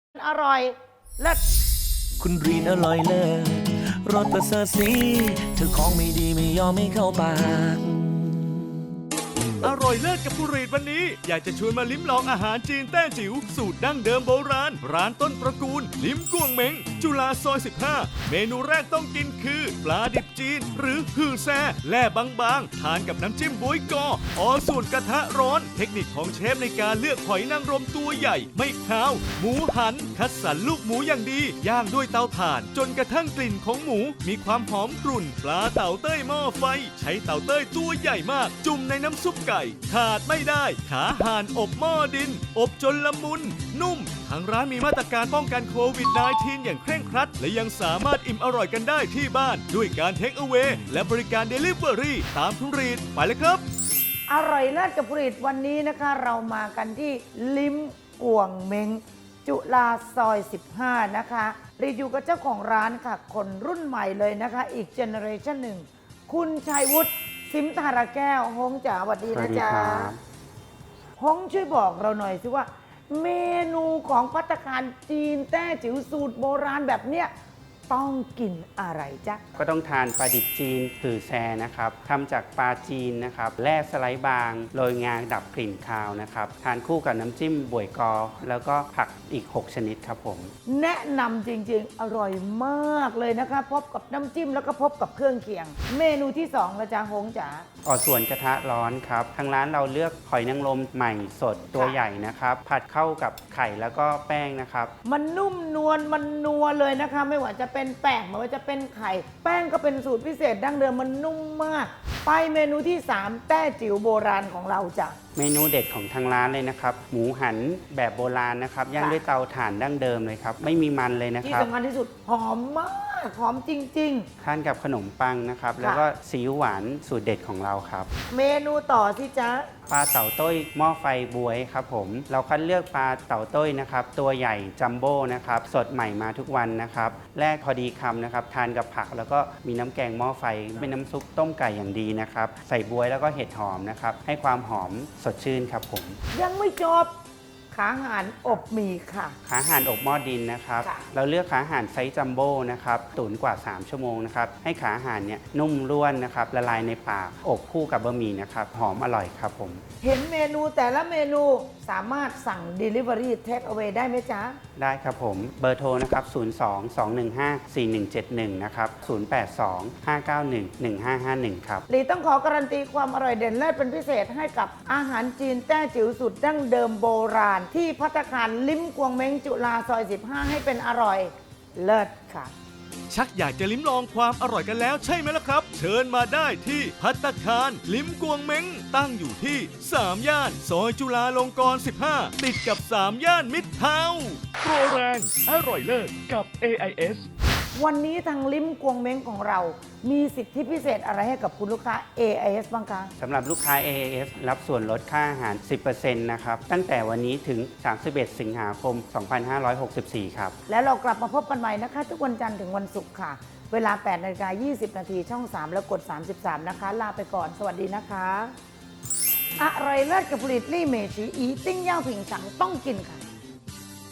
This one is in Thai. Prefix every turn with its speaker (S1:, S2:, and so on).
S1: อร่อยเลิศ
S2: คุณรีนอร่อยเลิศรสประเสริฐสีเธอของไม่ดีไม่ยอมไม่เข้าปาก
S3: อร่อยเลิศกับผู้รีดวันนี้อยากจะชวนมาลิ้มลองอาหารจีนแต้จิ๋วสูตรดั้งเดิมโบราณร้านต้นตระกูลลิ้มกวงเม้งจุฬาซอย 15 เมนูแรกต้องกินคือปลาดิบจีนหรือฮือแซ่แล่บางๆทานกับน้ำจิ้มบ๊วยกอสูตรกระทะร้อนเทคนิคของเชฟในการเลือกหอยนางรมตัวใหญ่ไม่คาวหมูหันคัดสรรลูกหมูอย่างดีย่างด้วยเตาถ่านจนกระทั่งกลิ่นของหมูมีความหอมกรุ่นปลาเต่าเต้ยหม้อไฟใช้เต่าเต้ยตัวใหญ่มากจุ่มในน้ำซุปไก่ขาดไม่ได้ขาห่านอบหม้อดินอบจนละมุนนุ่มทางร้านมีมาตรการป้องกันโควิด -19 อย่างเคร่งครัดและยังสามารถอิ่มอร่อยกันได้ที่บ้านด้วยการเทคเอา a y และบริการ Delivery ตามคุณรีดไปเลยครับ
S1: อร่อยเลิศกับผลิตวันนี้นะคะเรามากันที่ลิ้มกวงเม้งจุฬาซอย 15 นะคะรีวิวกับเจ้าของร้านค่ะคนรุ่นใหม่เลยนะคะอีกเจเนอเรชันหนึ่งคุณชัยวุฒิสิมธารแก้วฮงจ๋าสวัสดีนะจ๊ะฮงช่วยบอกเราหน่อยสิว่าเมนูของภัตตาคารจีนแต้จิ๋วสูตรโบราณแบบเนี้ยต้องกินอะไรจ๊ะ
S4: ก็ต้องทานปลาดิบจีนถือแซนะครับทำจากปลาจีนนะครับแล่สไลด์บางโรยงาดับกลิ่นคาวนะครับทานคู่กับน้ำจิ้มบวยกอแล้วก็ผักอีก6ชนิดครับผม
S1: แนะนำจริงๆอร่อยมากเลยนะคะพบกับน้ำจิ้มแล้วก็พบกับเครื่องเคียงเมนูที่2ละจ๊ะฮงจ๋า
S4: ส่วนกระทะร้อนครับทางร้านเราเลือกหอยนางรมใหม่สดตัวใหญ่นะครับผัดเข้ากับไข่แล้วก็แป้งนะครับ
S1: มันนุ่มนวลมันนัวเลยนะคะไม่ว่าจะเป็นแป้งไม่ว่าจะเป็นไข่แป้งก็เป็นสูตรพิเศษดั้งเดิมมันนุ่มมากไปเมนูที่3แต้จิ๋วโบราณของเราจ้ะ
S4: เมนูเด็ดของทางร้านเลยนะครับหมูหันแบบโบราณนะครับย่างด้วยเตาถ่านดั้งเดิมเลยครับไม่มีมันเลยนะค
S1: ที่
S4: รับ
S1: สำคัญที่สุดหอมมากหอมจริง
S4: ทานกับขนมปังนะครับแล้วก็ซีอิ๊วหวานสูตรเด็ดของเราครับ
S1: เมนูต่อที่จ๊ะ
S4: ปลาเต่าต้ยหม้อไฟบวยครับผมเราคัดเลือกปลาเต่าต้ยนะครับตัวใหญ่จัมโบ้นะครับสดใหม่มาทุกวันนะครับแรกพอดีคำนะครับทานกับผักแล้วก็มีน้ำแกงหม้อไฟเป็นน้ำซุปต้มไก่อย่างดีนะครับใส่บวยแล้วก็เห็ดหอมนะครับให้ความหอมสดชื่นครับผม
S1: ยังไม่จบขาห่านอบหมี่ค่ะ
S4: ขาห่านอบหม้อดินนะครับเราเลือกขาห่านไซส์จัมโบ้นะครับตุ๋นกว่า3ชั่วโมงนะครับให้ขาห่านเนี่ยนุ่มร่วนนะครับละลายในปากอบคู่กับบะหมี่นะครับหอมอร่อยครับผม
S1: เห็นเมนูแต่ละเมนูสามารถสั่ง Delivery Take Away ได้ไหมจ๊ะ
S4: ได้ครับผมเบอร์โทรนะครับ02-215-4171นะครับ082-591-1551ครับ
S1: ลีต้องขอการันตีความอร่อยเด่นเลิศเป็นพิเศษให้กับอาหารจีนแต้จิ๋วสุดดั้งเดิมโบราณที่ภัตตาคารลิ้มกวงเม้งจุฬาซอย 15 ให้เป็นอร่อยเลิศค่ะ
S3: ชักอยากจะลิ้มลองความอร่อยกันแล้วใช่ไหมล่ะครับ เชิญมาได้ที่ภัตตาคารลิ้มกวงเม้งตั้งอยู่ที่3ย่านซอยจุฬาลงกรณ์ 15 ติดกับ3ย่านมิตรทาวน์โปรแรงอร่อยเลิศกับ AIS
S1: วันนี้ทางลิ้มกวงเม้งของเรามีสิทธิพิเศษอะไรให้กับคุณลูกค้า AIS บ้างคะ
S4: สำหรับลูกค้า AIS รับส่วนลดค่าอาหาร 10% นะครับตั้งแต่วันนี้ถึง 31 สิงหาคม 2564 ครับ
S1: แล้วเรากลับมาพบกันใหม่นะคะทุกวันจันทร์ถึงวันศุกร์ค่ะเวลา 8:20 น.ช่อง 3 แล้วกด 33 นะคะลาไปก่อนสวัสดีนะคะอร่อยเลิศกับผลิตลี่เมชีอีติ้งย่างผิงฉังต้องกินค่ะ